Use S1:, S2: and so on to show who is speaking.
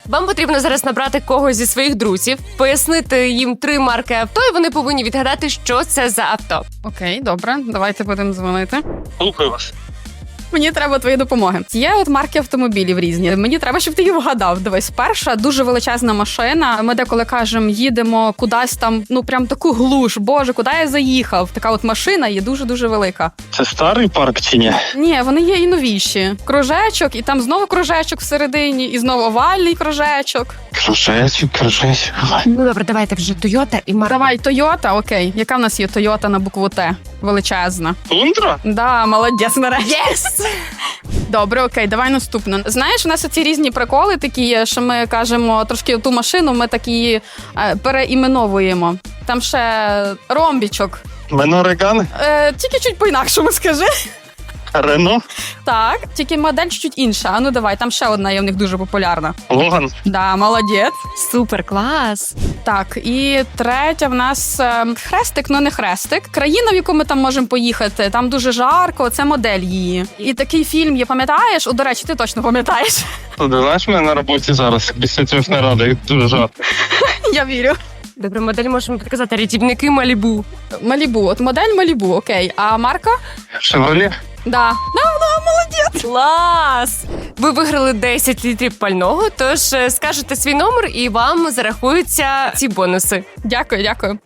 S1: Вам потрібно зараз набрати когось зі своїх друзів, пояснити їм 3 марки авто, і вони повинні відгадати, що це за авто.
S2: Окей, добре, давайте будемо дзвонити.
S3: Слухаю вас.
S2: Мені треба твої допомоги. Є от марки автомобілів різні. Мені треба, щоб ти їх вгадав. Дивись, перша дуже величезна машина. Ми деколи кажемо, їдемо кудись там, ну прям таку глуш. Боже, куди я заїхав? Така от машина є дуже-дуже велика.
S3: Це старий парк чи ні?
S2: Ні, вони є і новіші. Кружечок, і там знову кружечок всередині, і знову овальний кружечок.
S3: Кружечок.
S1: Ну добре, давайте вже Toyota і марка.
S2: Давай, Тойота, окей. Яка в нас є Тойота на букву Т? Величезна.
S3: Тундра?
S2: Да, молодець, нарешті.
S1: Єс!
S2: Добре, окей, давай наступну. Знаєш, у нас оці різні приколи такі є, що ми кажемо трошки ту машину, ми так її переіменовуємо. Там ще ромбічок.
S3: Менореган?
S2: Тільки чуть по-інакшому скажи.
S3: Рено?
S2: Так, тільки модель чуть інша. А ну давай, там ще одна є в них дуже популярна.
S3: Логан?
S2: Да, молодець.
S1: Супер, клас!
S2: Так, і третя в нас хрестик, ну не хрестик. Країна, в яку ми там можемо поїхати, там дуже жарко, це модель її. І такий фільм є, пам'ятаєш? О, до речі, ти точно пам'ятаєш.
S3: Ти знаєш мене на роботі зараз, після цього наради, дуже жарко.
S2: Я вірю.
S1: Добре, модель можемо підказати. Рятівники Малібу.
S2: Малібу, от модель Малібу, окей. А марка?
S3: Шевроле?
S2: Да, молодець.
S1: Клас! Ви виграли 10 літрів пального, тож скажете свій номер і вам зарахуються ці бонуси.
S2: Дякую, дякую.